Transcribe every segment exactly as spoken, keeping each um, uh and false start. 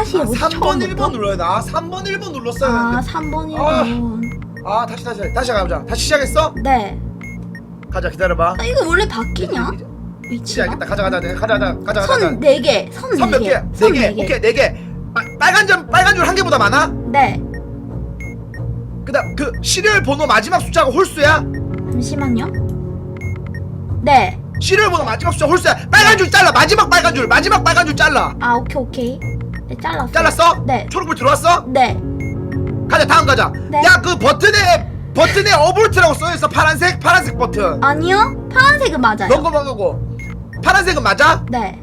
하나씩이 아, 뭐지? 삼 번 처음부터? 일 번 눌러야 돼. 아 삼 번 일 번 눌렀어야 아 되는데. 삼 번 아. 일 번. 아 다시 다시 다시 가보자. 다시 시작했어? 네. 가자 기다려봐. 아 이거 원래 바뀌냐? 이제, 이제 위치가? 시작했다. 가자 가자 가자 가자 가자 가자. 선 네 개. 선 선 네 몇 개. 개? 네 개. 오케이 네 개. 빨간 점 빨간 줄 한 개보다 많아? 네. 그다음 그 시리얼 번호 마지막 숫자가 홀수야? 잠시만요. 네. 시리얼 번호 마지막 숫자 홀수야. 빨간 줄 잘라. 마지막 빨간 줄 마지막 빨간 줄 잘라. 아 오케이 오케이. 네 잘랐어. 잘랐어? 네. 초록불 들어왔어? 네. 가자 다음 가자. 네. 야 그 버튼에 버튼에 어볼트라고 써있어. 파란색 파란색 버튼. 아니요. 파란색은 맞아요. 넘거만 가고. 파란색은 맞아? 네.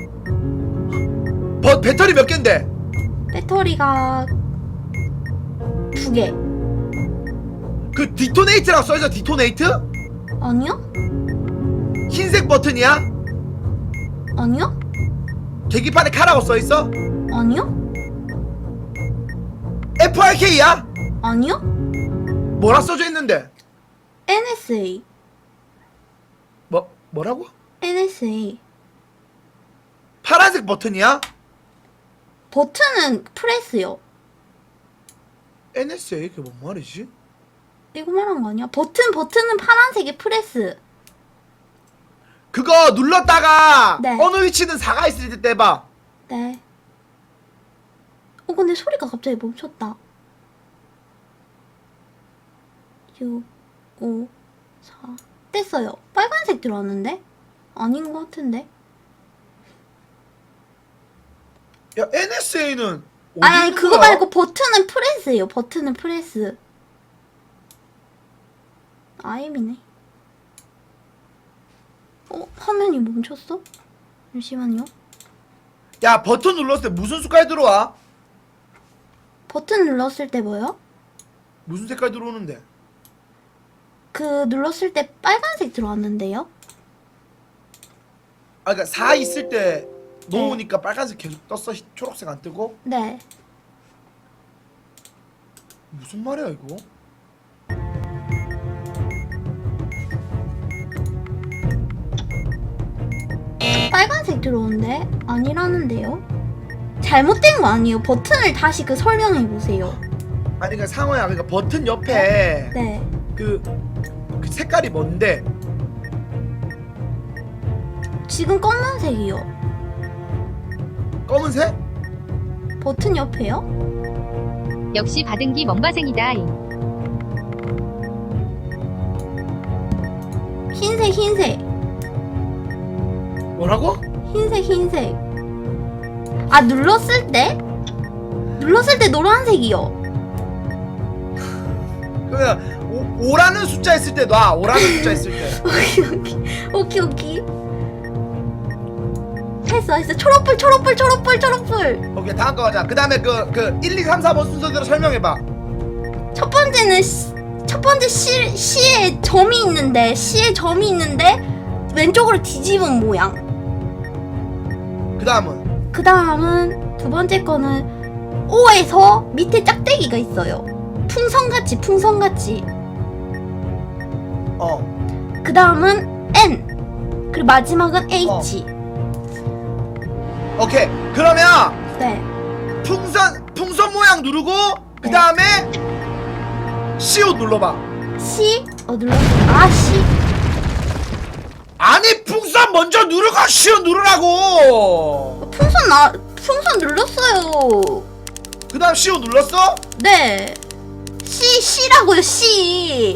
버, 배터리 몇 개인데? 배터리가 두 개. 그 디토네이트라고 써있어. 디토네이트? 아니요? 흰색 버튼이야? 아니요? 계기판에 카라고 써있어? 아니요? 에프알케이야? 아니요? 뭐라 써져 있는데? 엔에스에이. 뭐 뭐라고? 엔에스에이. 파란색 버튼이야? 버튼은 프레스요. 엔에스에이 그게 뭔 말이지? 이거 말한 거 아니야? 버튼 버튼은 파란색이 프레스. 그거 눌렀다가 네. 어느 위치든 사가 있을 때 떼봐. 네. 어 근데 소리가 갑자기 멈췄다. 육, 오, 사. 뗐어요. 빨간색 들어왔는데? 아닌 것 같은데? 야 엔에스에이는 아니 아니 그거 말고 버튼은 프레스예요. 버튼은 프레스. 아임이네. 어? 화면이 멈췄어? 잠시만요. 야 버튼 눌렀을 때 무슨 색깔 들어와? 버튼 눌렀을 때 뭐요? 무슨 색깔 들어오는데? 그 눌렀을 때 빨간색 들어왔는데요? 아 그니까 사 있을 때 놓으니까 빨간색 계속 떴어. 히- 초록색 안 뜨고? 네. 무슨 말이야 이거? 빨간색 들어오는데 아니라는데요? 잘못된 거 아니에요. 버튼을 다시 그 설명해 보세요. 아니 그니까 상호야 그니까 버튼 옆에 네. 그, 그 색깔이 뭔데? 지금 검은색이요. 검은색? 버튼 옆에요? 역시 받은기 멍바생이다. 흰색 흰색 뭐라고? 흰색 흰색. 아 눌렀을 때? 눌렀을 때 노란색이요. 그냥 오, 오라는 숫자 있을 때 놔. 오라는 숫자 있을 때. 오케이 오케이 오케이 오케이. 했어 했어. 초록불 초록불 초록불 초록불. 오케이 다음 거 가자. 그 다음에 그, 그 일, 이, 삼, 사 번 순서대로 설명해봐. 첫 번째는 시, 첫 번째 시, 시에 점이 있는데 시에 점이 있는데 왼쪽으로 뒤집은 모양. 그 다음은 그 다음은 두 번째 거는 O에서 밑에 짝대기가 있어요. 풍선같이 풍선같이. 어 그 다음은 N. 그리고 마지막은 H. 오케이 그러면 네. 풍선 풍선 모양 누르고 그 네. 다음에 시옷 눌러봐. C. 어 눌렀어. 아 C. 아니 풍선 먼저 누르고 시옷 누르라고. 풍선 나 풍선 눌렀어요. 그 다음 시옷 눌렀어? 네. C C라고요 C.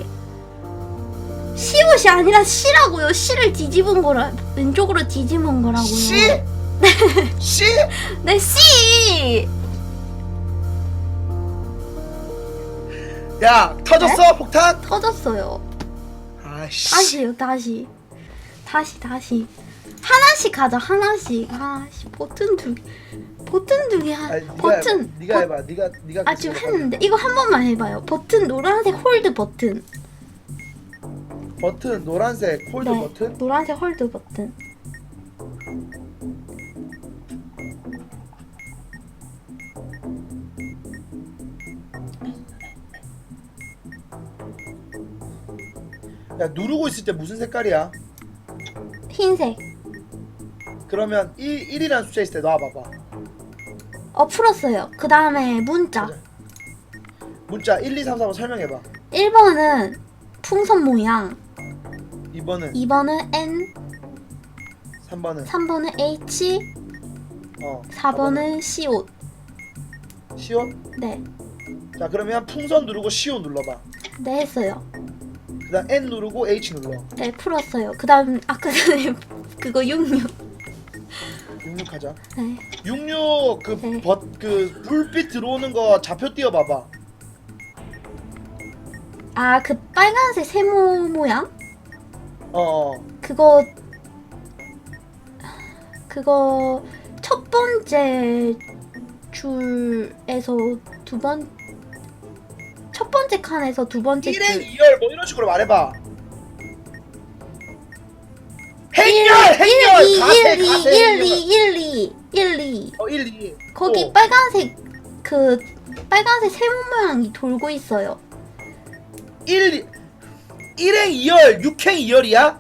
시옷이 아니라 C라고요. C를 뒤집은 거라 왼쪽으로 뒤집은 거라고요. 시? 시? 네 C. 야 터졌어 폭탄? 터졌어요. 아씨 다시요 다시. 다시 다시. 하나씩 가자 하나씩. 아씨 버튼 두 개. 버튼 두 개. 하... 아니, 네가 버튼. 해봐. 네가 버- 해봐. 네가 네가 아 지금 했는데 이거 한 번만 해봐요. 버튼 노란색 홀드 버튼. 버튼 노란색 홀드 네, 버튼. 노란색 홀드 버튼. 야 누르고 있을 때 무슨 색깔이야? 흰색. 그러면 일, 일이라는 숫자 있을 때 놔봐봐. 어 풀었어요. 그 다음에 문자. 가자. 문자 일, 이, 삼, 사번 설명해봐. 일 번은 풍선 모양, 이 번은 이 번은 N, 삼 번은 삼 번은 H, 어 사 번은 시옷. 시옷. 네, 자 그러면 풍선 누르고 시옷 눌러봐. 네 했어요. 그다음 N 누르고 H 눌러. 네 풀었어요. 그 다음 아까 전에 그거 육육. 육육 하자. 네, 육육 그 네. 버, 그 불빛 들어오는 거 좌표 띄워봐봐. 아 그 빨간색 세모 모양? 어, 어. 그거 그거 첫 번째 줄에서 두 번 첫 번째 칸에서 두 번째 일행 줄 이열 뭐 이런 식으로 말해봐. 일, 행렬 행렬 일, 가세 일, 가세 일, 행렬. 이, 일, 이, 일, 이. 어 일, 이. 거기 또. 빨간색 그 빨간색 세모 모양이 돌고 있어요. 일 일행 이열 육행 이열이야?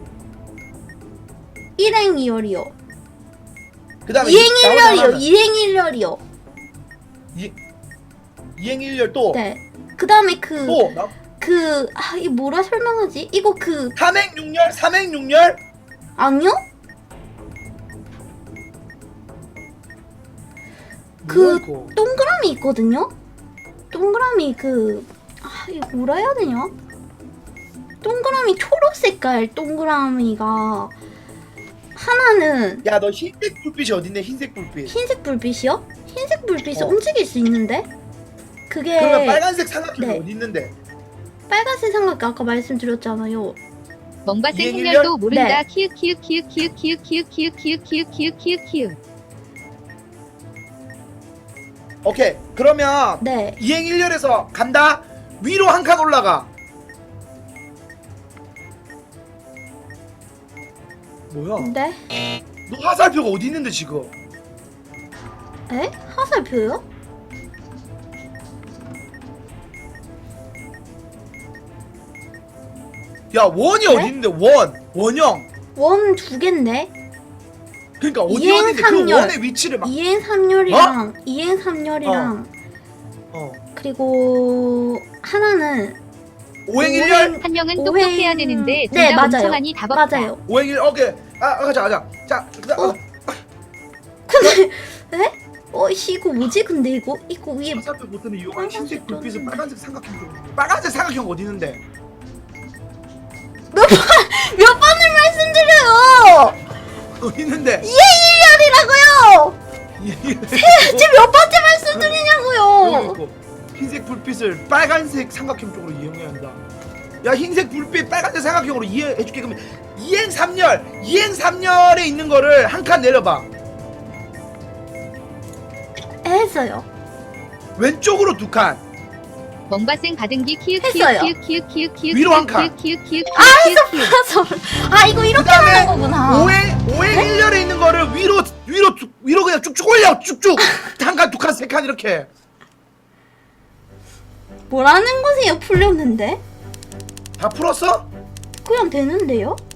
일행 이열이요. 그다음에 이행 이- 나머지 일열이요. 하나는 이행 일열이요. 이 이행 일열 또. 네. 그 다음에 그 또 나- 그 아, 이 뭐라 설명하지? 이거 그 삼행 육열 삼행 육열 아니요? 뭐야, 그 이거? 동그라미 있거든요? 동그라미 그 아, 이거 뭐라 해야 되냐? 동그라미 초록 색깔 동그라미가 하나는 야 너 흰색 불빛이 어딨네 흰색 불빛. 흰색 불빛이요? 흰색 불빛이 어. 움직일 수 있는데? 그게 그러면 빨간색 삼각형이 네. 어디 있는데? 빨간색 삼각형 아까 말씀드렸잖아요. 멍바생 이행일열? 행렬도 모른다. 네. 키읔 키읔 키읔 키읔 키읔 키읔 키읔 키읔 키읔 키읔 키읔 키읔. 오케이 그러면 네. 이행 일열에서 간다. 위로 한 칸 올라가. 뭐야? 네? 너 화살표가 어디 있는데 지금? 에? 화살표요? 야 원이 네? 어디 있는데 원 원형. 원 두 갠데? 그러니까 어디 이행 어디인데 그 삼열. 원의 위치를 막. 이행 삼열이랑 이행 삼열이랑 어. 그리고 하나는 오행 일열. 한 명은 오행- 똑똑해야 되는데 둘 네 다 맞아요. 멍청하니 답 없다. 맞아요. 오행 일 오케이. 아 아, 가자 가자. 자 그다음 어? 어? 근데 에? 어 씨, 이거 뭐지? 근데 이거 이거 위에 화살표 버튼을 이용한 빨간색 흰색 불빛은 떴는데. 빨간색 삼각형 쪽. 빨간색 삼각형 어디 있는데? 몇 번 몇 번을 말씀드려요. 어디 있는데? 이행일열이라고요. 지금 몇 번째 여기 말씀드리냐고요. 있고. 흰색 불빛을 빨간색 삼각형 쪽으로 이용해야 한다. 야 흰색 불빛 빨간색 삼각형으로 이해해줄게. 그러면 이행 삼열 이행 삼열에 있는 거를 한 칸 내려봐. 했어요. 왼쪽으로 두 칸. 멍바생 가등기 키읔 했어요. 키읔 키읔 키읔 키읔 위로 한 키읔 칸. 키읔 키읔 아, 키읔 키읔. 그래서 아 이거 이렇게 그다음에 하는 거구나. 오행 오행 일열에 있는 거를 위로 위로 쭉- 위로 그냥 쭉쭉 올려 쭉쭉 한 칸 두 칸 세 칸 이렇게. 뭐라는 거세요? 풀렸는데? 다 풀었어? 그냥 되는데요?